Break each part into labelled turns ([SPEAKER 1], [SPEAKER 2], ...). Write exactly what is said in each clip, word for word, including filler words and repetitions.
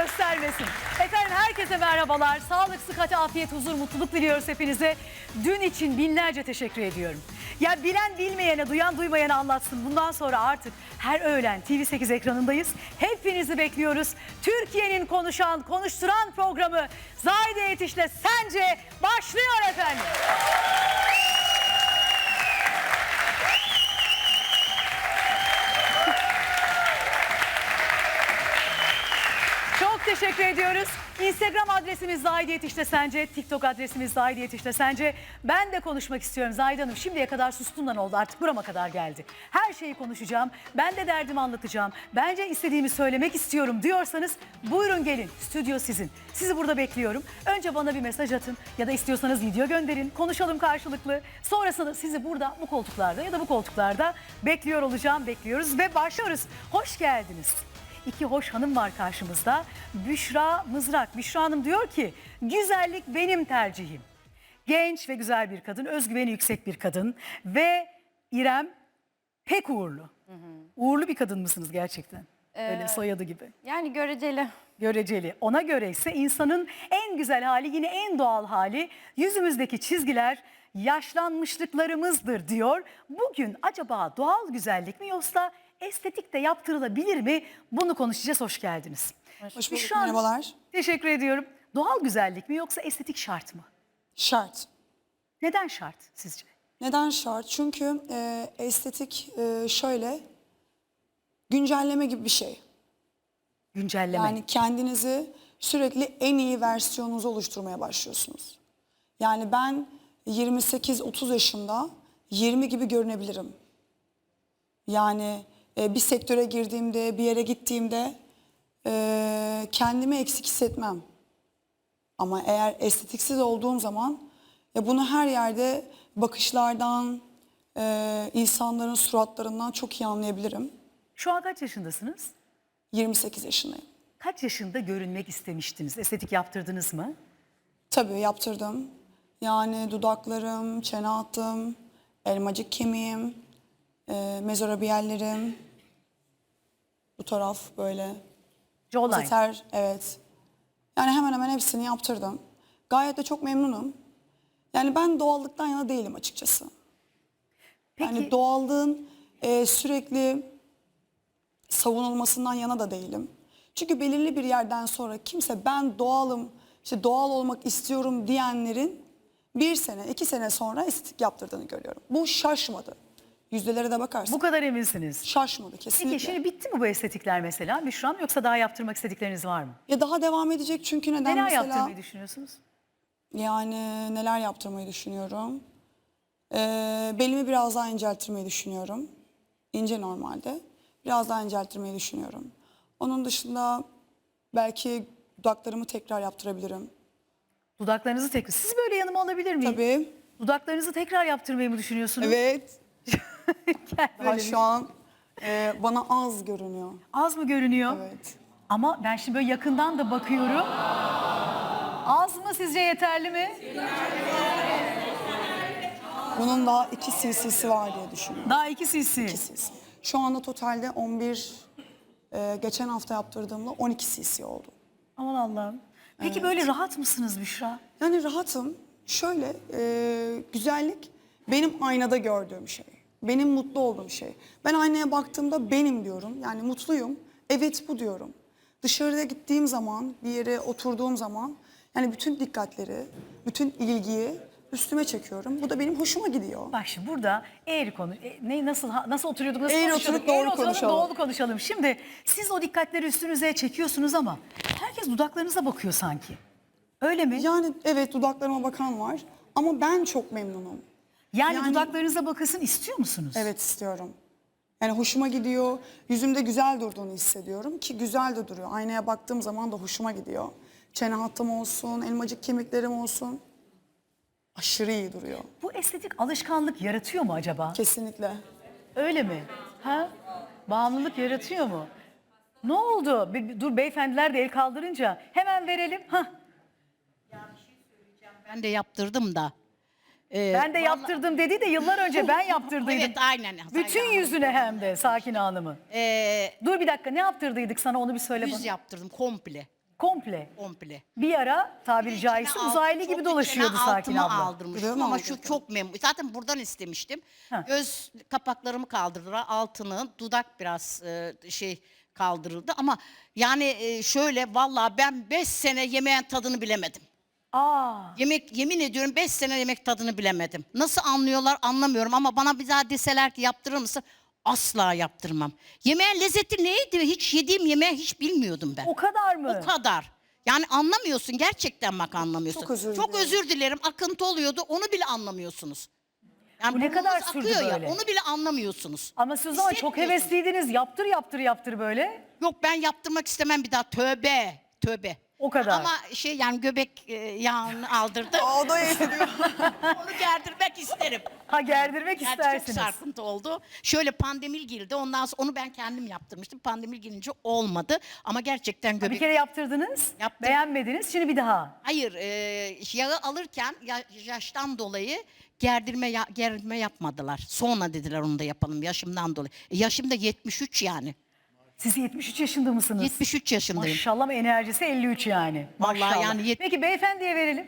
[SPEAKER 1] göstermesin. Efendim herkese merhabalar. Sağlık, sıhhat, afiyet, huzur, mutluluk diliyoruz hepinize. Dün için binlerce teşekkür ediyorum. Ya bilen bilmeyene, duyan duymayana anlatsın. Bundan sonra artık her öğlen T V sekiz ekranındayız. Hepinizi bekliyoruz. Türkiye'nin konuşan, konuşturan programı Zahide Yetiş'le Sence başlıyor efendim. Çok teşekkür ediyoruz. Instagram adresimiz Zahide Yetiş'te Sence, TikTok adresimiz Zahide Yetiş'te Sence. Ben de konuşmak istiyorum Zahide Hanım. Şimdiye kadar sustumdan oldu, artık burama kadar geldi. Her şeyi konuşacağım, ben de derdimi anlatacağım. Bence istediğimi söylemek istiyorum diyorsanız buyurun gelin, stüdyo sizin. Sizi burada bekliyorum. Önce bana bir mesaj atın ya da istiyorsanız video gönderin. Konuşalım karşılıklı. Sonrasında sizi burada bu koltuklarda ya da bu koltuklarda bekliyor olacağım, bekliyoruz ve başlıyoruz. Hoş geldiniz. İki hoş hanım var karşımızda. Büşra Mızrak. Büşra Hanım diyor ki güzellik benim tercihim. Genç ve güzel bir kadın, özgüveni yüksek bir kadın ve İrem pek uğurlu. Hı hı. Uğurlu bir kadın mısınız gerçekten? Ee, Öyle soyadı gibi.
[SPEAKER 2] Yani göreceli.
[SPEAKER 1] Göreceli. Ona göre ise insanın en güzel hali, yine en doğal hali, yüzümüzdeki çizgiler yaşlanmışlıklarımızdır diyor. Bugün acaba doğal güzellik mi yoksa estetik de yaptırılabilir mi? Bunu konuşacağız. Hoş geldiniz.
[SPEAKER 3] Hoş bulduk,
[SPEAKER 1] Şu an
[SPEAKER 3] merhabalar.
[SPEAKER 1] Teşekkür ediyorum. Doğal güzellik mi yoksa estetik şart mı?
[SPEAKER 3] Şart.
[SPEAKER 1] Neden şart sizce?
[SPEAKER 3] Neden şart? Çünkü e, estetik e, şöyle, güncelleme gibi bir şey.
[SPEAKER 1] Güncelleme.
[SPEAKER 3] Yani kendinizi sürekli en iyi versiyonunuzu oluşturmaya başlıyorsunuz. Yani ben yirmi sekiz otuz yaşında yirmi gibi görünebilirim. Yani e, bir sektöre girdiğimde, bir yere gittiğimde e, kendimi eksik hissetmem. Ama eğer estetiksiz olduğum zaman e, bunu her yerde bakışlardan, e, insanların suratlarından çok iyi anlayabilirim.
[SPEAKER 1] Şu an kaç yaşındasınız?
[SPEAKER 3] yirmi sekiz yaşındayım.
[SPEAKER 1] Kaç yaşında görünmek istemiştiniz? Estetik yaptırdınız mı?
[SPEAKER 3] Tabii yaptırdım. Yani dudaklarım, çene hattım, elmacık kemiğim, e, mezorabiyellerim, bu taraf böyle.
[SPEAKER 1] Jawline.
[SPEAKER 3] Zeter, evet. Yani hemen hemen hepsini yaptırdım. Gayet de çok memnunum. Yani ben doğallıktan yana değilim açıkçası.
[SPEAKER 1] Peki,
[SPEAKER 3] Yani doğallığın e, sürekli savunulmasından yana da değilim. Çünkü belirli bir yerden sonra kimse ben doğalım, işte doğal olmak istiyorum diyenlerin bir sene, iki sene sonra estetik yaptırdığını görüyorum. Bu şaşmadı. Yüzdelere de bakarsın.
[SPEAKER 1] bu kadar eminsiniz.
[SPEAKER 3] Şaşmadı kesinlikle.
[SPEAKER 1] Peki şimdi bitti mi bu estetikler mesela Büşra Hanım, yoksa daha yaptırmak istedikleriniz var mı?
[SPEAKER 3] Ya daha devam edecek çünkü neden
[SPEAKER 1] Neler
[SPEAKER 3] mesela?
[SPEAKER 1] yaptırmayı düşünüyorsunuz?
[SPEAKER 3] Yani neler yaptırmayı düşünüyorum. Ee, belimi biraz daha incelttirmeyi düşünüyorum. İnce normalde. Biraz daha incelttirmeyi düşünüyorum. Onun dışında belki dudaklarımı tekrar yaptırabilirim.
[SPEAKER 1] Dudaklarınızı tekrar... Siz böyle yanıma alabilir miyim?
[SPEAKER 3] Tabii.
[SPEAKER 1] Dudaklarınızı tekrar yaptırmayı mı düşünüyorsunuz?
[SPEAKER 3] Evet.
[SPEAKER 1] Gel
[SPEAKER 3] Daha
[SPEAKER 1] böyle.
[SPEAKER 3] şu an e, bana az görünüyor.
[SPEAKER 1] Az mı görünüyor?
[SPEAKER 3] Evet.
[SPEAKER 1] Ama ben şimdi böyle yakından da bakıyorum. Az mı, sizce yeterli mi?
[SPEAKER 3] Bunun daha iki cc'si var diye düşünüyorum.
[SPEAKER 1] Daha iki cc.
[SPEAKER 3] iki cc. Şu anda totalde on bir, e, geçen hafta yaptırdığımda on iki cc oldu.
[SPEAKER 1] Aman Allah'ım. Peki
[SPEAKER 3] Evet.
[SPEAKER 1] böyle rahat mısınız Büşra?
[SPEAKER 3] Yani rahatım. Şöyle, e, güzellik benim aynada gördüğüm şey. Benim mutlu olduğum şey. Ben aynaya baktığımda benim diyorum. Yani mutluyum. Evet bu diyorum. Dışarıda gittiğim zaman, bir yere oturduğum zaman yani bütün dikkatleri, bütün ilgiyi üstüme çekiyorum. Bu da benim hoşuma gidiyor.
[SPEAKER 1] Bak şimdi burada eğri konu, e, ne nasıl ha- nasıl oturuyorduk, nasıl
[SPEAKER 3] Eğri
[SPEAKER 1] konuşuyorduk?
[SPEAKER 3] oturup doğru
[SPEAKER 1] Eğri oturalım,
[SPEAKER 3] konuşalım.
[SPEAKER 1] doğru konuşalım. Şimdi siz o dikkatleri üstünüze çekiyorsunuz ama herkes dudaklarınıza bakıyor sanki. Öyle mi?
[SPEAKER 3] Yani evet dudaklarıma bakan var ama ben çok memnunum.
[SPEAKER 1] yani,
[SPEAKER 3] yani-
[SPEAKER 1] dudaklarınıza bakılsın istiyor musunuz?
[SPEAKER 3] Evet istiyorum. Yani hoşuma gidiyor. Yüzümde güzel durduğunu hissediyorum ki güzel de duruyor. Aynaya baktığım zaman da hoşuma gidiyor. Çene hattım olsun, elmacık kemiklerim olsun. Aşırı iyi duruyor.
[SPEAKER 1] Bu estetik alışkanlık yaratıyor mu acaba?
[SPEAKER 3] Kesinlikle.
[SPEAKER 1] Öyle mi? Ha? Bağımlılık yaratıyor mu? Ne oldu? Bir- bir- dur beyefendiler de el kaldırınca hemen verelim. Hah.
[SPEAKER 4] Ben de yaptırdım da. Ee,
[SPEAKER 1] Ben de
[SPEAKER 4] vallahi-
[SPEAKER 1] yaptırdım dedi de yıllar önce ben yaptırdıydım.
[SPEAKER 4] Evet aynen.
[SPEAKER 1] Bütün
[SPEAKER 4] Sayın
[SPEAKER 1] yüzüne hem de Sakine Hanım'ın.
[SPEAKER 4] Ee,
[SPEAKER 1] Dur bir dakika, ne yaptırdıydık sana, onu bir söyle
[SPEAKER 4] yüz
[SPEAKER 1] bana.
[SPEAKER 4] yaptırdım komple.
[SPEAKER 1] Komple.
[SPEAKER 4] komple.
[SPEAKER 1] Bir ara tabiri
[SPEAKER 4] İçine
[SPEAKER 1] caizse
[SPEAKER 4] alt-
[SPEAKER 1] uzaylı
[SPEAKER 4] çok
[SPEAKER 1] gibi dolaşıyordu
[SPEAKER 4] içine
[SPEAKER 1] Sakin
[SPEAKER 4] altımı
[SPEAKER 1] abla.
[SPEAKER 4] aldırmıştım
[SPEAKER 3] Öyle mi
[SPEAKER 4] ama
[SPEAKER 3] oldu?
[SPEAKER 4] şu çok memnun. Zaten buradan istemiştim.
[SPEAKER 1] Ha.
[SPEAKER 4] Göz kapaklarımı kaldırdılar, altını, dudak biraz e, şey kaldırıldı ama yani e, şöyle vallahi ben beş sene yemeğin tadını bilemedim.
[SPEAKER 1] Aa,
[SPEAKER 4] Yemek yemin ediyorum beş sene yemek tadını bilemedim. Nasıl anlıyorlar anlamıyorum ama bana bir daha deseler ki yaptırır mısın? Asla yaptırmam. Yemeğin lezzeti neydi? Hiç yediğim yemeği hiç bilmiyordum ben.
[SPEAKER 1] o kadar mı?
[SPEAKER 4] O kadar. Yani anlamıyorsun gerçekten bak anlamıyorsun.
[SPEAKER 3] Çok özür
[SPEAKER 4] Çok
[SPEAKER 3] dilerim.
[SPEAKER 4] özür dilerim. Akıntı oluyordu. Onu bile anlamıyorsunuz. Yani
[SPEAKER 1] Bu ne
[SPEAKER 4] burnunuz
[SPEAKER 1] kadar sürdü
[SPEAKER 4] akıyor
[SPEAKER 1] böyle?
[SPEAKER 4] ya. Onu bile anlamıyorsunuz.
[SPEAKER 1] Ama siz o zaman çok
[SPEAKER 4] Hissetmiyorsunuz.
[SPEAKER 1] hevesliydiniz. Yaptır yaptır yaptır böyle.
[SPEAKER 4] Yok ben yaptırmak istemem bir daha. Tövbe. Tövbe.
[SPEAKER 1] O kadar.
[SPEAKER 4] Ama şey yani göbek e, yağını aldırdı.
[SPEAKER 3] O da yetiyor.
[SPEAKER 4] Onu gerdirmek isterim.
[SPEAKER 1] Ha gerdirmek
[SPEAKER 4] Yani çok
[SPEAKER 1] istersiniz.
[SPEAKER 4] sarkıntı oldu. Şöyle pandemil girdi. Ondan sonra onu ben kendim yaptırmıştım. Pandemil girince olmadı. Ama gerçekten
[SPEAKER 1] Bir
[SPEAKER 4] göbek...
[SPEAKER 1] kere yaptırdınız.
[SPEAKER 4] Yaptım.
[SPEAKER 1] Beğenmediniz. Şimdi bir daha.
[SPEAKER 4] Hayır, e, yağı alırken ya- yaştan dolayı gerdirme ya- gerdirme yapmadılar. Sonra dediler onu da yapalım yaşımdan dolayı. E, yaşım da yetmiş üç yani.
[SPEAKER 1] Siz yetmiş üç yaşında mısınız?
[SPEAKER 4] yetmiş üç yaşındayım.
[SPEAKER 1] Maşallah ama enerjisi elli üç yani.
[SPEAKER 4] Vallahi
[SPEAKER 1] Maşallah.
[SPEAKER 4] yani yet-
[SPEAKER 1] Peki beyefendiye verelim.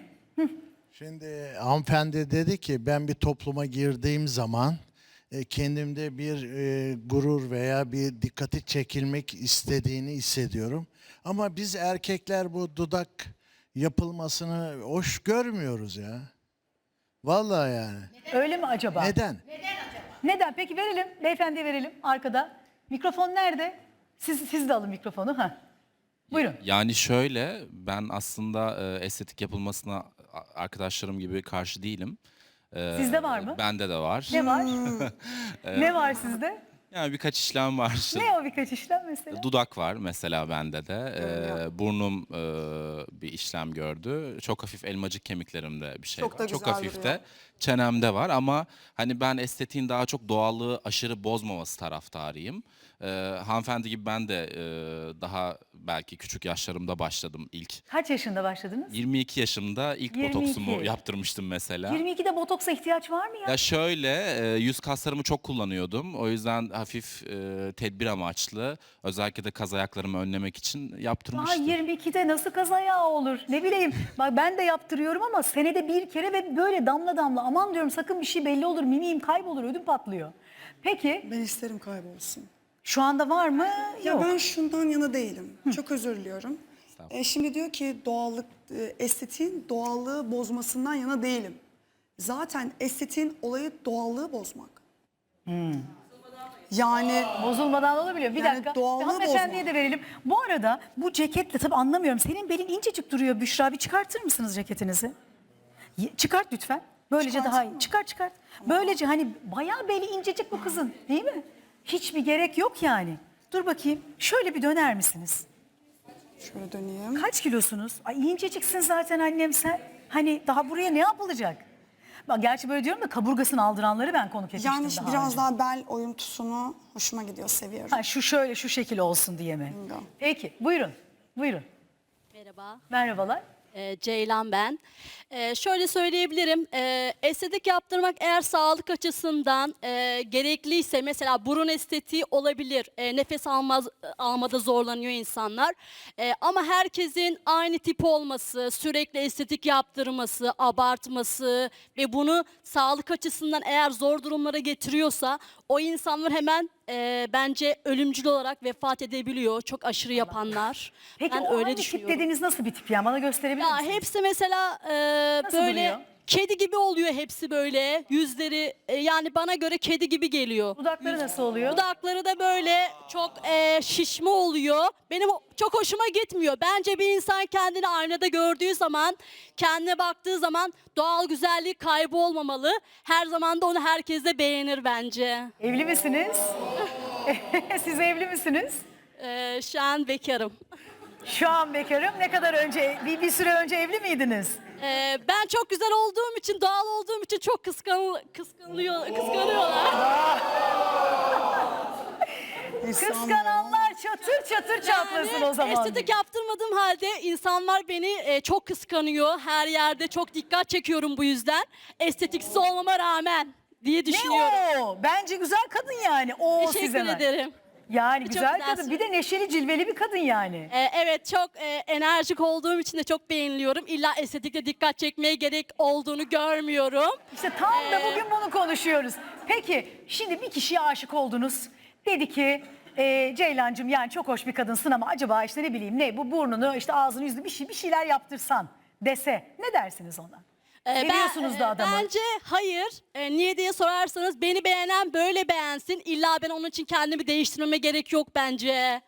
[SPEAKER 2] Şimdi hanımefendi dedi ki ben bir topluma girdiğim zaman e, kendimde bir e, gurur veya bir dikkati çekilmek istediğini hissediyorum. Ama biz erkekler bu dudak yapılmasını hoş görmüyoruz ya. Vallahi yani.
[SPEAKER 1] Öyle mi acaba?
[SPEAKER 2] Neden?
[SPEAKER 1] Neden? Peki verelim. Beyefendiye verelim arkada. Mikrofon nerede? Siz, siz de alın mikrofonu. Ha. Buyurun.
[SPEAKER 5] Yani şöyle, ben aslında e, estetik yapılmasına a- arkadaşlarım gibi karşı değilim. E,
[SPEAKER 1] Sizde var mı?
[SPEAKER 5] Bende de var.
[SPEAKER 1] Ne var? ne var sizde?
[SPEAKER 5] Yani birkaç işlem var. İşte
[SPEAKER 1] Ne o birkaç işlem mesela?
[SPEAKER 5] dudak var mesela bende de. E, burnum e, bir işlem gördü. Çok hafif elmacık kemiklerimde bir şey
[SPEAKER 3] Çok da
[SPEAKER 5] var. Çok
[SPEAKER 3] güzel
[SPEAKER 5] hafif
[SPEAKER 3] duruyor.
[SPEAKER 5] de çenemde var ama hani ben estetiğin daha çok doğallığı aşırı bozmaması taraftarıyım. E, hanımefendi gibi ben de e, daha belki küçük yaşlarımda başladım ilk.
[SPEAKER 1] Kaç yaşında başladınız?
[SPEAKER 5] yirmi iki yaşımda ilk
[SPEAKER 1] yirmi iki.
[SPEAKER 5] botoksumu yaptırmıştım mesela.
[SPEAKER 1] yirmi ikide botoksa ihtiyaç var mı ya?
[SPEAKER 5] Ya şöyle, e, yüz kaslarımı çok kullanıyordum. O yüzden hafif e, tedbir amaçlı, özellikle de kaz ayaklarımı önlemek için
[SPEAKER 1] Daha
[SPEAKER 5] yaptırmıştım.
[SPEAKER 1] yirmi ikide nasıl kaz ayağı olur? Ne bileyim. Bak ben de yaptırıyorum ama senede bir kere ve böyle damla damla. Aman diyorum sakın bir şey belli olur. Mimiğim kaybolur, ödüm patlıyor. Peki
[SPEAKER 3] Ben isterim kaybolsun.
[SPEAKER 1] şu anda var mı?
[SPEAKER 3] Ya
[SPEAKER 1] Yok.
[SPEAKER 3] ben şundan yana değilim. Çok özür diliyorum. E, şimdi diyor ki doğallık, e, estetiğin doğallığı bozmasından yana değilim. Zaten estetiğin olayı doğallığı bozmak. Yani
[SPEAKER 1] Bozulmadan olabiliyor. Bir
[SPEAKER 3] Yani
[SPEAKER 1] dakika.
[SPEAKER 3] doğallığı
[SPEAKER 1] Bir hanımefendiye
[SPEAKER 3] bozma.
[SPEAKER 1] de verelim. Bu arada bu ceketle tabii anlamıyorum. Senin belin incecik duruyor Büşra. Bir çıkartır mısınız ceketinizi? Ye- Çıkart lütfen. Böylece daha iyi. Çıkart çıkart. Böylece hani bayağı beli incecik bu kızın değil mi? Hiçbir gerek yok yani. Dur bakayım. Şöyle bir döner misiniz?
[SPEAKER 3] şöyle döneyim.
[SPEAKER 1] Kaç kilosunuz? Ay inceciksin zaten annem sen. Hani daha buraya ne yapılacak? Bak gerçi böyle diyorum da kaburgasını aldıranları ben konuk etmiştim
[SPEAKER 3] Yani
[SPEAKER 1] daha
[SPEAKER 3] biraz
[SPEAKER 1] önce.
[SPEAKER 3] daha bel oyuntusunu hoşuma gidiyor, seviyorum.
[SPEAKER 1] Ha, şu şöyle şu şekil olsun diye mi?
[SPEAKER 3] Bingo.
[SPEAKER 1] Peki buyurun. Buyurun.
[SPEAKER 6] Merhaba,
[SPEAKER 1] Merhabalar.
[SPEAKER 6] e, Ceylan ben. E, şöyle söyleyebilirim, e, estetik yaptırmak eğer sağlık açısından e, gerekliyse, mesela burun estetiği olabilir, e, nefes almaz, almada zorlanıyor insanlar. E, ama herkesin aynı tip olması, sürekli estetik yaptırması, abartması ve bunu sağlık açısından eğer zor durumlara getiriyorsa, o insanlar hemen e, bence ölümcül olarak vefat edebiliyor, çok aşırı yapanlar.
[SPEAKER 1] Peki
[SPEAKER 6] ben
[SPEAKER 1] o
[SPEAKER 6] öyle
[SPEAKER 1] hangi tip
[SPEAKER 6] düşünüyorum.
[SPEAKER 1] dediğiniz nasıl bir tip ya? Bana gösterebilir
[SPEAKER 6] Ya
[SPEAKER 1] misiniz?
[SPEAKER 6] hepsi mesela e,
[SPEAKER 1] Nasıl
[SPEAKER 6] böyle
[SPEAKER 1] duruyor?
[SPEAKER 6] kedi gibi oluyor hepsi böyle. Yüzleri e, yani bana göre kedi gibi geliyor.
[SPEAKER 1] Dudakları nasıl oluyor?
[SPEAKER 6] Dudakları da böyle çok e, şişme oluyor. Benim o- çok hoşuma gitmiyor. Bence bir insan kendini aynada gördüğü zaman, kendine baktığı zaman doğal güzelliği kaybolmamalı. Her zaman da onu herkes de beğenir bence.
[SPEAKER 1] Evli misiniz? Siz evli misiniz?
[SPEAKER 6] E, şu an bekarım.
[SPEAKER 1] Şu an bekarım. Ne kadar önce, bir, bir süre önce evli miydiniz?
[SPEAKER 6] E, ben çok güzel olduğum için, doğal olduğum için çok kıskan, kıskanılıyor, kıskanıyorlar.
[SPEAKER 1] Kıskananlar çatır çatır çatlasın o zaman.
[SPEAKER 6] Estetik yaptırmadığım halde insanlar beni e, çok kıskanıyor. Her yerde çok dikkat çekiyorum bu yüzden. Estetiksiz olmama rağmen diye düşünüyorum.
[SPEAKER 1] Ne o? Bence güzel kadın yani. O siz
[SPEAKER 6] Teşekkür
[SPEAKER 1] hemen.
[SPEAKER 6] ederim.
[SPEAKER 1] Yani
[SPEAKER 6] Çok
[SPEAKER 1] güzel
[SPEAKER 6] güzel
[SPEAKER 1] kadın. Bir de neşeli cilveli bir kadın yani.
[SPEAKER 6] Ee, evet çok e, enerjik olduğum için de çok beğeniliyorum. İlla estetikle dikkat çekmeye gerek olduğunu görmüyorum.
[SPEAKER 1] İşte tam da
[SPEAKER 6] Ee,
[SPEAKER 1] bugün bunu konuşuyoruz. Peki şimdi bir kişiye aşık oldunuz. Dedi ki e, Ceylancığım yani çok hoş bir kadınsın ama acaba işte ne bileyim ne bu burnunu işte ağzını yüzünü bir şey bir şeyler yaptırsan dese ne dersiniz ona?
[SPEAKER 6] Ee, ben-
[SPEAKER 1] Seviyorsunuz da
[SPEAKER 6] e,
[SPEAKER 1] adamı.
[SPEAKER 6] Bence hayır. E, niye diye sorarsanız beni beğenen böyle beğensin. İlla ben onun için kendimi değiştirmeme gerek yok bence.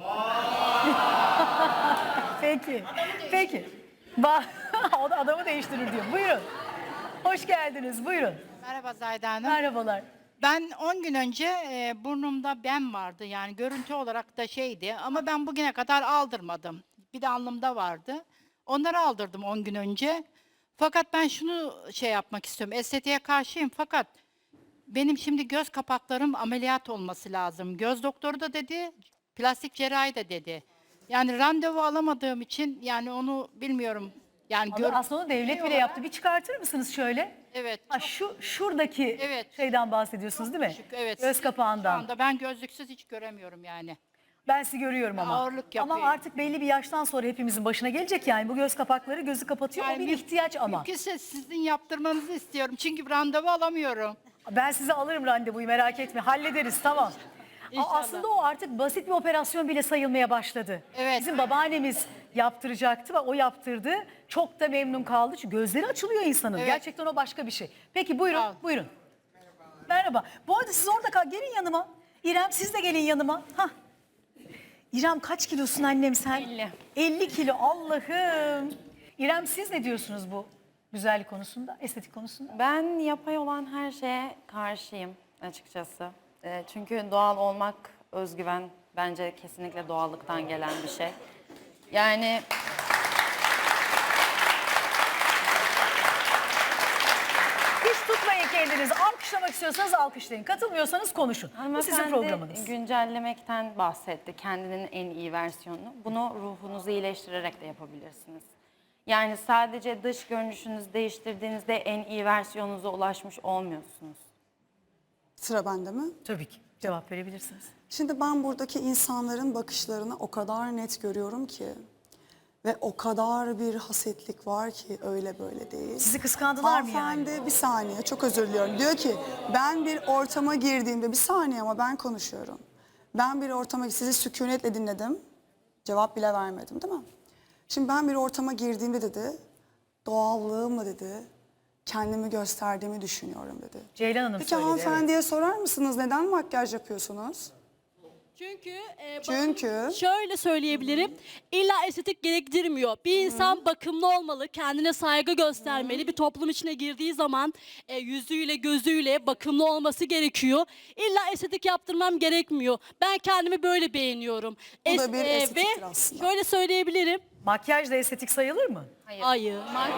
[SPEAKER 1] Peki. Peki. Bak o da adamı değiştirir diyor. Buyurun. Hoş geldiniz. Buyurun.
[SPEAKER 7] Merhaba Zahide Hanım.
[SPEAKER 1] Merhabalar.
[SPEAKER 7] Ben on gün önce e, burnumda ben vardı, yani görüntü olarak da şeydi, ama ben bugüne kadar aldırmadım. Bir de alnımda vardı. Onları aldırdım on gün önce. Fakat ben şunu şey yapmak istiyorum. Estetiğe karşıyım fakat benim şimdi göz kapaklarım ameliyat olması lazım. Göz doktoru da dedi, plastik cerrahi de dedi. Yani randevu alamadığım için yani onu bilmiyorum. Yani gör-
[SPEAKER 1] Aslında onu devlet bile yaptı. Bir çıkartır mısınız şöyle?
[SPEAKER 7] Evet.
[SPEAKER 1] Ha, şu şuradaki
[SPEAKER 7] Evet.
[SPEAKER 1] şeyden bahsediyorsunuz değil mi?
[SPEAKER 7] Küçük, evet.
[SPEAKER 1] Göz
[SPEAKER 7] Şu
[SPEAKER 1] kapağından.
[SPEAKER 7] anda ben gözlüksüz hiç göremiyorum yani.
[SPEAKER 1] Ben sizi görüyorum ama.
[SPEAKER 7] Ağırlık
[SPEAKER 1] ama
[SPEAKER 7] yapıyor.
[SPEAKER 1] artık belli bir yaştan sonra hepimizin başına gelecek yani. Bu göz kapakları gözü kapatıyor. o bir
[SPEAKER 7] müm-
[SPEAKER 1] ihtiyaç ama.
[SPEAKER 7] Mümkünse sizin yaptırmanızı istiyorum. Çünkü randevu alamıyorum.
[SPEAKER 1] Ben size alırım randevuyu merak etme. Hallederiz tamam. A- Aslında o artık basit bir operasyon bile sayılmaya başladı.
[SPEAKER 7] Evet.
[SPEAKER 1] Bizim babaannemiz yaptıracaktı ve o yaptırdı. Çok da memnun kaldı. Çünkü gözleri açılıyor insanın.
[SPEAKER 7] Evet.
[SPEAKER 1] Gerçekten o başka bir şey. Peki buyurun,
[SPEAKER 7] Sağ ol.
[SPEAKER 1] buyurun. Merhaba. Bu arada siz orada kal. Gelin yanıma. İrem siz de gelin yanıma. Hah. İrem kaç kilosun annem sen?
[SPEAKER 8] elli.
[SPEAKER 1] elli kilo Allah'ım. İrem siz ne diyorsunuz bu güzellik konusunda, estetik konusunda?
[SPEAKER 8] Ben yapay olan her şeye karşıyım açıkçası. Ee, çünkü doğal olmak, özgüven bence kesinlikle doğallıktan gelen bir şey. Yani
[SPEAKER 1] Hiç tutmayın kendinizi. Alkışlamak istiyorsanız alkışlayın. Katılmıyorsanız konuşun. Bu sizin
[SPEAKER 8] hanımefendi
[SPEAKER 1] programınız.
[SPEAKER 8] güncellemekten bahsetti, kendinin en iyi versiyonunu. Bunu ruhunuzu iyileştirerek de yapabilirsiniz. Yani sadece dış görünüşünüzü değiştirdiğinizde en iyi versiyonunuza ulaşmış olmuyorsunuz.
[SPEAKER 3] Sıra bende mi?
[SPEAKER 1] Tabii ki. Cevap verebilirsiniz.
[SPEAKER 3] Şimdi ben buradaki insanların bakışlarını o kadar net görüyorum ki ve o kadar bir hasetlik var ki öyle böyle değil.
[SPEAKER 1] Sizi kıskandılar mı yani?
[SPEAKER 3] Hanımefendi bir saniye çok özür diliyorum. Diyor ki ben bir ortama girdiğimde bir saniye ama ben konuşuyorum. Ben bir ortama sizi sükunetle dinledim. Cevap bile vermedim değil mi? Şimdi ben bir ortama girdiğimde dedi doğallığımla dedi kendimi gösterdiğimi düşünüyorum dedi.
[SPEAKER 1] Ceylan Hanım
[SPEAKER 3] Peki
[SPEAKER 1] söyledi. evet.
[SPEAKER 3] hanımefendiye sorar mısınız neden makyaj yapıyorsunuz?
[SPEAKER 6] Çünkü e, bakın,
[SPEAKER 3] Çünkü?
[SPEAKER 6] şöyle söyleyebilirim. İlla estetik gerektirmiyor. Bir insan bakımlı olmalı, kendine saygı göstermeli. Bir toplum içine girdiği zaman e, yüzüyle, gözüyle bakımlı olması gerekiyor. İlla estetik yaptırmam gerekmiyor. Ben kendimi böyle beğeniyorum.
[SPEAKER 3] Bu da bir
[SPEAKER 6] Es-
[SPEAKER 3] estetiktir
[SPEAKER 6] ve
[SPEAKER 3] aslında.
[SPEAKER 6] şöyle söyleyebilirim.
[SPEAKER 1] Makyaj da estetik sayılır mı?
[SPEAKER 6] Hayır.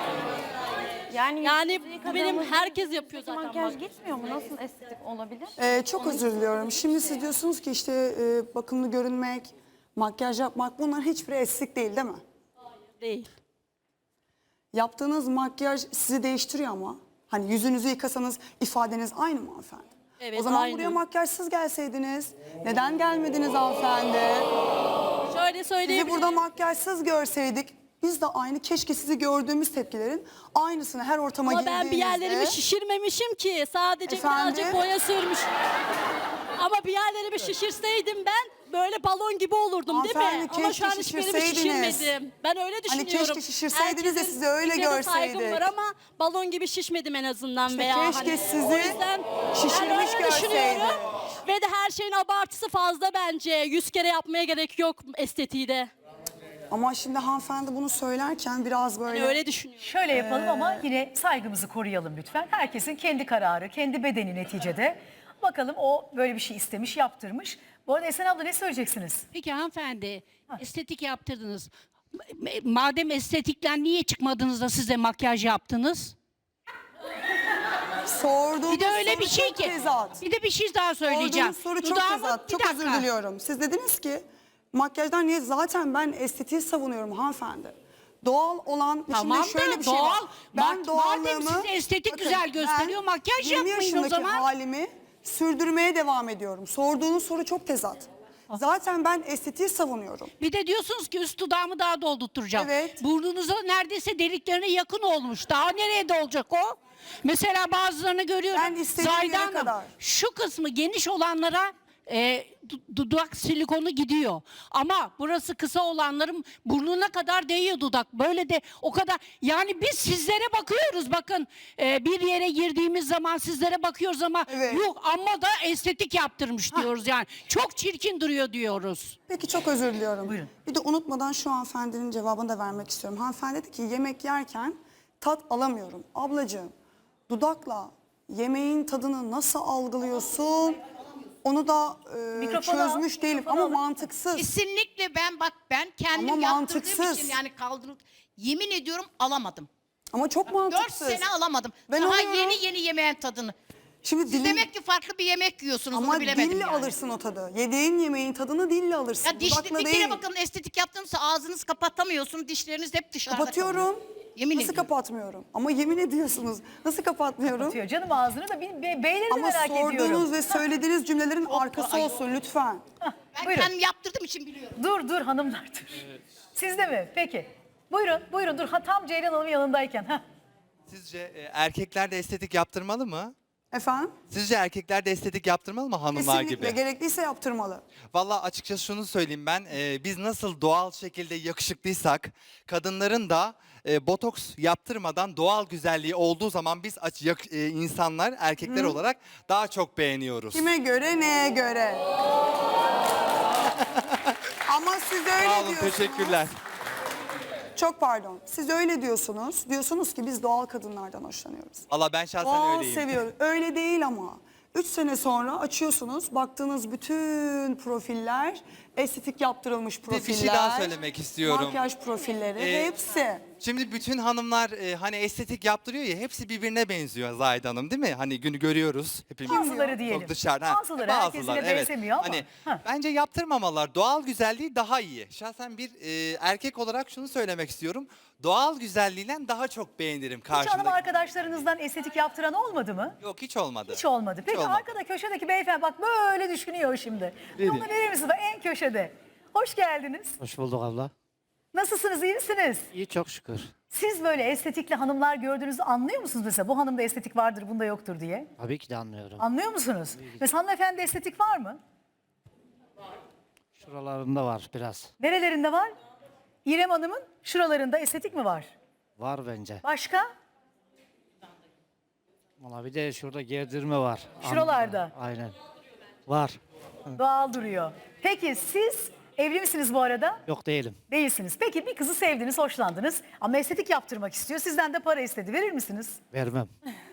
[SPEAKER 8] Yani,
[SPEAKER 6] Yani
[SPEAKER 8] yüzünüzü
[SPEAKER 6] bu benim
[SPEAKER 8] yıkadığınızda
[SPEAKER 6] herkes yapıyor zaten.
[SPEAKER 8] makyaj
[SPEAKER 6] bak.
[SPEAKER 8] gitmiyor mu? Nasıl estetik olabilir?
[SPEAKER 3] Ee, çok özür diliyorum. Şimdi siz diyorsunuz ki işte e, bakımlı görünmek, makyaj yapmak bunlar hiçbiri estetik değil değil mi?
[SPEAKER 6] Değil.
[SPEAKER 3] Yaptığınız makyaj sizi değiştiriyor ama. Hani yüzünüzü yıkasanız ifadeniz aynı mı hanımefendi?
[SPEAKER 6] Evet,
[SPEAKER 3] o zaman
[SPEAKER 6] aynı.
[SPEAKER 3] buraya makyajsız gelseydiniz. Neden gelmediniz hanımefendi?
[SPEAKER 6] Şöyle
[SPEAKER 3] Sizi
[SPEAKER 6] söyleyebilirim.
[SPEAKER 3] burada makyajsız görseydik biz de aynı keşke sizi gördüğümüz tepkilerin aynısını her ortama
[SPEAKER 6] Ama
[SPEAKER 3] girdiğinizde.
[SPEAKER 6] ben bir yerlerimi şişirmemişim ki. Sadece
[SPEAKER 3] Efendim?
[SPEAKER 6] birazcık boya sürmüş. Ama bir yerlerimi şişirseydim ben böyle balon gibi olurdum değil mi?
[SPEAKER 3] Hanımefendi,
[SPEAKER 6] Ama şu an
[SPEAKER 3] keşke
[SPEAKER 6] hiçbirimi
[SPEAKER 3] şişirseydiniz.
[SPEAKER 6] şişirmedim. Ben öyle
[SPEAKER 3] Hani
[SPEAKER 6] düşünüyorum.
[SPEAKER 3] keşke şişirseydiniz de
[SPEAKER 6] Herkesin
[SPEAKER 3] sizi öyle
[SPEAKER 6] fikrine saygım
[SPEAKER 3] görseydik.
[SPEAKER 6] var ama balon gibi şişmedim en azından
[SPEAKER 3] İşte
[SPEAKER 6] veya.
[SPEAKER 3] keşke
[SPEAKER 6] hani,
[SPEAKER 3] sizi
[SPEAKER 6] o yüzden
[SPEAKER 3] şişirmiş
[SPEAKER 6] ben öyle
[SPEAKER 3] görseydik.
[SPEAKER 6] düşünüyorum. Ve de her şeyin abartısı fazla bence. Yüz kere yapmaya gerek yok estetiği de.
[SPEAKER 3] Ama şimdi hanımefendi bunu söylerken biraz böyle...
[SPEAKER 6] Ben öyle düşünüyorum.
[SPEAKER 1] Şöyle yapalım
[SPEAKER 3] Ee,
[SPEAKER 1] ama yine saygımızı koruyalım lütfen. Herkesin kendi kararı, kendi bedeni neticede. Bakalım o böyle bir şey istemiş, yaptırmış. Bu arada Esen abla ne söyleyeceksiniz?
[SPEAKER 9] Peki hanımefendi, estetik yaptırdınız. M- Madem estetikten niye çıkmadınız da size makyaj yaptınız?
[SPEAKER 3] Sorduğunuz
[SPEAKER 9] Bir de öyle
[SPEAKER 3] soru
[SPEAKER 9] bir şey
[SPEAKER 3] çok
[SPEAKER 9] ki.
[SPEAKER 3] tezat.
[SPEAKER 9] Bir de bir şey daha söyleyeceğim.
[SPEAKER 3] Sorduğunuz soru çok
[SPEAKER 9] Dudağımı-
[SPEAKER 3] tezat.
[SPEAKER 9] bir
[SPEAKER 3] Çok özür
[SPEAKER 9] dakika.
[SPEAKER 3] diliyorum. Siz dediniz ki makyajdan niye? Zaten ben estetiği savunuyorum hanımefendi. Doğal olan
[SPEAKER 9] Tamam
[SPEAKER 3] şimdi şöyle
[SPEAKER 9] da
[SPEAKER 3] bir şey var.
[SPEAKER 9] doğal.
[SPEAKER 3] Ben
[SPEAKER 9] Mak-
[SPEAKER 3] doğallığımı...
[SPEAKER 9] madem size estetik güzel gösteriyor,
[SPEAKER 3] ben
[SPEAKER 9] makyaj
[SPEAKER 3] yirmi
[SPEAKER 9] yapmayın o
[SPEAKER 3] yaşındaki
[SPEAKER 9] zaman.
[SPEAKER 3] halimi sürdürmeye devam ediyorum. Sorduğunuz soru çok tezat. Zaten ben estetiği savunuyorum.
[SPEAKER 9] Bir de diyorsunuz ki üst dudağımı daha doldurtturacağım.
[SPEAKER 3] Evet.
[SPEAKER 9] Burnunuza neredeyse deliklerine yakın olmuş. Daha nereye de olacak o? Mesela bazılarını görüyorum.
[SPEAKER 3] Ben istediğim
[SPEAKER 9] Zahide
[SPEAKER 3] yere
[SPEAKER 9] Hanım,
[SPEAKER 3] kadar.
[SPEAKER 9] şu kısmı geniş olanlara e, du- dudak silikonu gidiyor. Ama burası kısa olanların burnuna kadar değiyor dudak. Böyle de o kadar. Yani biz sizlere bakıyoruz. Bakın e, bir yere girdiğimiz zaman sizlere bakıyoruz ama
[SPEAKER 3] Evet.
[SPEAKER 9] yok amma da estetik yaptırmış diyoruz yani. Çok çirkin duruyor diyoruz.
[SPEAKER 3] Peki çok özür diliyorum.
[SPEAKER 1] Buyurun.
[SPEAKER 3] Bir de unutmadan şu hanımefendinin cevabını da vermek istiyorum. Hanımefendi dedi ki yemek yerken tat alamıyorum. Ablacığım dudakla yemeğin tadını nasıl algılıyorsun? Onu da e,
[SPEAKER 1] Mikrofonu al,
[SPEAKER 3] çözmüş değilim
[SPEAKER 1] mikrofonu
[SPEAKER 3] ama
[SPEAKER 1] al.
[SPEAKER 3] mantıksız.
[SPEAKER 4] Kesinlikle ben bak ben kendim
[SPEAKER 3] Ama
[SPEAKER 4] yaptırdığım
[SPEAKER 3] mantıksız.
[SPEAKER 4] için yani kaldırıp yemin ediyorum alamadım.
[SPEAKER 3] Ama çok
[SPEAKER 4] Dört
[SPEAKER 3] mantıksız.
[SPEAKER 4] sene alamadım.
[SPEAKER 3] Ben
[SPEAKER 4] Daha
[SPEAKER 3] alıyorum.
[SPEAKER 4] yeni yeni yemeğin tadını.
[SPEAKER 3] Şimdi
[SPEAKER 4] Siz
[SPEAKER 3] dilin,
[SPEAKER 4] demek ki farklı bir yemek yiyorsunuz
[SPEAKER 3] ama
[SPEAKER 4] onu bilemedim
[SPEAKER 3] dille
[SPEAKER 4] yani.
[SPEAKER 3] alırsın o tadı. Yediğin yemeğin tadını dille alırsın.
[SPEAKER 4] Ya diş,
[SPEAKER 3] Dudakla
[SPEAKER 4] bir
[SPEAKER 3] değil.
[SPEAKER 4] kere bakın estetik yaptığınızda ağzınızı kapatamıyorsun. Dişleriniz hep dışarıda kalıyor.
[SPEAKER 3] Kapatıyorum.
[SPEAKER 4] Yemin
[SPEAKER 3] Nasıl
[SPEAKER 4] ediyorum.
[SPEAKER 3] kapatmıyorum? Ama yemin ediyorsunuz. Nasıl kapatmıyorum?
[SPEAKER 1] Diyor. Canım ağzını da bir be, beyleri de
[SPEAKER 3] Ama
[SPEAKER 1] merak
[SPEAKER 3] sorduğunuz
[SPEAKER 1] ediyorum.
[SPEAKER 3] ve söylediğiniz cümlelerin arkası
[SPEAKER 4] ay-
[SPEAKER 3] olsun lütfen.
[SPEAKER 4] Ben
[SPEAKER 1] Buyurun.
[SPEAKER 4] kendim yaptırdığım için biliyorum.
[SPEAKER 1] Dur dur hanımlar dur. Sizde mi? Peki. Buyurun buyurun dur. Ha, tam Ceylan Hanım'ın yanındayken. Heh.
[SPEAKER 10] Sizce e, erkekler de estetik yaptırmalı mı?
[SPEAKER 3] Efendim?
[SPEAKER 10] Sizce erkekler de estetik yaptırmalı mı hanımlar
[SPEAKER 3] Kesinlikle
[SPEAKER 10] gibi?
[SPEAKER 3] gerekliyse yaptırmalı.
[SPEAKER 10] Vallahi açıkçası şunu söyleyeyim ben. e, biz nasıl doğal şekilde yakışıklıysak kadınların da e, botoks yaptırmadan doğal güzelliği olduğu zaman biz aç, yak- e, insanlar erkekler olarak daha çok beğeniyoruz.
[SPEAKER 3] Kime göre, neye göre? Ama siz öyle
[SPEAKER 10] Sağ olun,
[SPEAKER 3] diyorsunuz.
[SPEAKER 10] teşekkürler.
[SPEAKER 3] Çok pardon. Siz öyle diyorsunuz. Diyorsunuz ki biz doğal kadınlardan hoşlanıyoruz.
[SPEAKER 10] Valla ben şahsen
[SPEAKER 3] Doğal
[SPEAKER 10] öyleyim.
[SPEAKER 3] seviyoruz. Öyle değil ama. Üç sene sonra açıyorsunuz. Baktığınız bütün profiller estetik yaptırılmış
[SPEAKER 10] Bir-
[SPEAKER 3] profiller.
[SPEAKER 10] bir şey daha söylemek istiyorum.
[SPEAKER 3] Makyaj profilleri.
[SPEAKER 10] Ee,
[SPEAKER 3] hepsi.
[SPEAKER 10] Şimdi bütün hanımlar e, hani estetik yaptırıyor ya hepsi birbirine benziyor Zahide Hanım değil mi? Hani günü görüyoruz hepimiz.
[SPEAKER 1] Bazıları diyelim.
[SPEAKER 10] Çok dışarıda. Ha,
[SPEAKER 1] Bazıları, herkesine benzemiyor ama.
[SPEAKER 10] Hani
[SPEAKER 1] Ha.
[SPEAKER 10] bence yaptırmamalar. Doğal güzelliği daha iyi. Şahsen bir e, erkek olarak şunu söylemek istiyorum. Doğal güzelliğiyle daha çok beğenirim
[SPEAKER 1] Hiç hanım
[SPEAKER 10] karşımdaki.
[SPEAKER 1] arkadaşlarınızdan estetik yaptıran olmadı mı?
[SPEAKER 10] Yok hiç olmadı.
[SPEAKER 1] Hiç olmadı. Peki
[SPEAKER 10] olmadı.
[SPEAKER 1] arkada köşedeki beyefendi bak böyle düşünüyor şimdi. Onu verir misiniz? Bak, en köşede. Hoş geldiniz.
[SPEAKER 11] Hoş bulduk abla.
[SPEAKER 1] Nasılsınız? İyi misiniz?
[SPEAKER 11] İyi çok şükür.
[SPEAKER 1] Siz böyle estetikli hanımlar gördüğünüzde anlıyor musunuz mesela? Bu hanımda estetik vardır, bunda yoktur diye.
[SPEAKER 11] Tabii ki de anlıyorum.
[SPEAKER 1] Anlıyor musunuz? Mesela hanımefendi estetik var mı?
[SPEAKER 11] Şuralarında var biraz.
[SPEAKER 1] Nerelerinde var? İrem Hanım'ın şuralarında estetik mi var?
[SPEAKER 11] Var bence.
[SPEAKER 1] Başka?
[SPEAKER 11] Valla bir de şurada gerdirme var.
[SPEAKER 1] Şuralarda.
[SPEAKER 11] Aynen. Var.
[SPEAKER 1] Doğal duruyor. Peki siz evli misiniz bu arada?
[SPEAKER 11] Yok değilim.
[SPEAKER 1] Değilsiniz. Peki bir kızı sevdiniz, hoşlandınız ama estetik yaptırmak istiyor. Sizden de para istedi. Verir misiniz?
[SPEAKER 11] Vermem.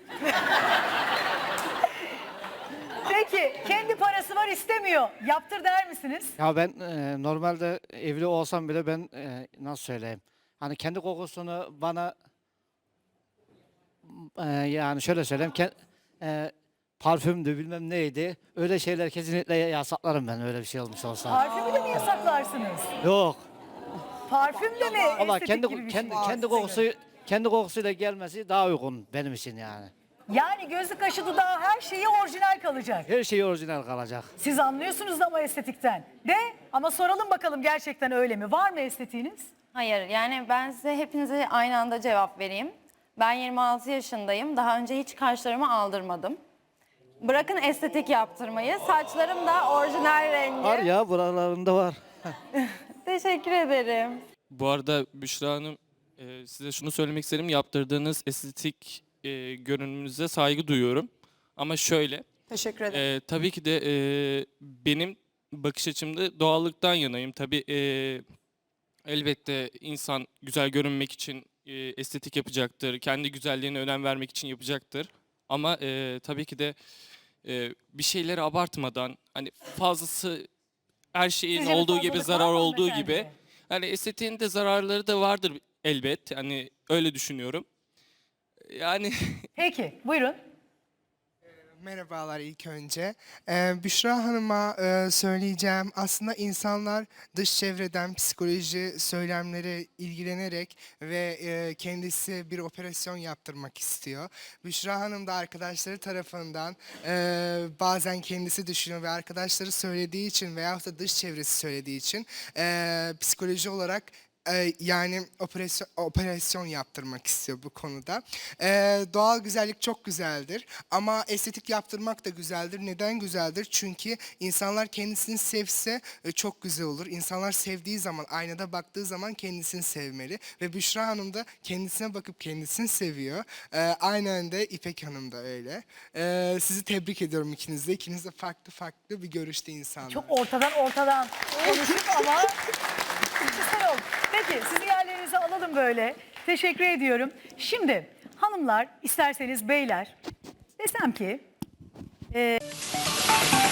[SPEAKER 1] Peki kendi parası var istemiyor. Yaptır der misiniz?
[SPEAKER 11] Ya ben e, normalde evli olsam bile ben e, nasıl söyleyeyim? Hani kendi kokusunu bana e, yani şöyle söyleyeyim. Ke, e, parfümdü bilmem neydi. Öyle şeyler kesinlikle yasaklarım ben öyle bir şey olmuş olsa.
[SPEAKER 1] Parfümü de mi yasaklarsınız?
[SPEAKER 11] Yok.
[SPEAKER 1] Parfüm de mi
[SPEAKER 11] Valla
[SPEAKER 1] estetik
[SPEAKER 11] kendi
[SPEAKER 1] gibi bir
[SPEAKER 11] kendi
[SPEAKER 1] şey?
[SPEAKER 11] kendi kokusu kendi kokusuyla gelmesi daha uygun benim için yani.
[SPEAKER 1] Yani gözü kaşı dudağı her şeyi orijinal kalacak.
[SPEAKER 11] Her şey orijinal kalacak.
[SPEAKER 1] Siz anlıyorsunuz ama estetikten. De ama soralım bakalım gerçekten öyle mi? Var mı estetiğiniz?
[SPEAKER 8] Hayır, yani ben size hepinize aynı anda cevap vereyim. Ben yirmi altı yaşındayım. Daha önce hiç kaşlarımı aldırmadım. Bırakın estetik yaptırmayı. Saçlarım da orijinal rengi.
[SPEAKER 11] Var ya buralarında var.
[SPEAKER 8] Teşekkür ederim.
[SPEAKER 12] Bu arada Büşra Hanım, e, size şunu söylemek isterim. Yaptırdığınız estetik e, görünümünüze saygı duyuyorum. Ama şöyle,
[SPEAKER 3] Teşekkür ederim.
[SPEAKER 12] e, tabii ki de e, benim bakış açımda doğallıktan yanayım. Tabii e, elbette insan güzel görünmek için e, estetik yapacaktır. Kendi güzelliğine önem vermek için yapacaktır. Ama e, tabii ki de e, bir şeyleri abartmadan, hani fazlası her şeyin
[SPEAKER 1] Sizce bir
[SPEAKER 12] olduğu gibi
[SPEAKER 1] fazlalık var
[SPEAKER 12] zarar
[SPEAKER 1] mı
[SPEAKER 12] olduğu
[SPEAKER 1] hanımefendi?
[SPEAKER 12] gibi. Yani estetiğin de zararları da vardır elbet. Yani öyle düşünüyorum. Yani
[SPEAKER 1] Peki buyurun.
[SPEAKER 13] Merhabalar ilk önce. Ee, Büşra Hanım'a e, söyleyeceğim. Aslında insanlar dış çevreden psikoloji söylemleri ilgilenerek ve e, kendisi bir operasyon yaptırmak istiyor. Büşra Hanım da arkadaşları tarafından e, bazen kendisi düşünüyor ve arkadaşları söylediği için veyahut da dış çevresi söylediği için e, psikoloji olarak Ee, yani operasyon, operasyon yaptırmak istiyor bu konuda. Ee, doğal güzellik çok güzeldir ama estetik yaptırmak da güzeldir. Neden güzeldir? Çünkü insanlar kendisini sevse e, çok güzel olur. İnsanlar sevdiği zaman, aynada baktığı zaman kendisini sevmeli. Ve Büşra Hanım da kendisine bakıp kendisini seviyor. Ee, aynen de İpek Hanım da öyle. Ee, sizi tebrik ediyorum ikiniz de. İkiniz de farklı farklı bir görüşte insanlar.
[SPEAKER 1] Çok ortadan ortadan konuşup ama güzel oldu. Peki sizi yerlerinize alalım böyle. Teşekkür ediyorum. Şimdi hanımlar, isterseniz beyler, desem ki... e,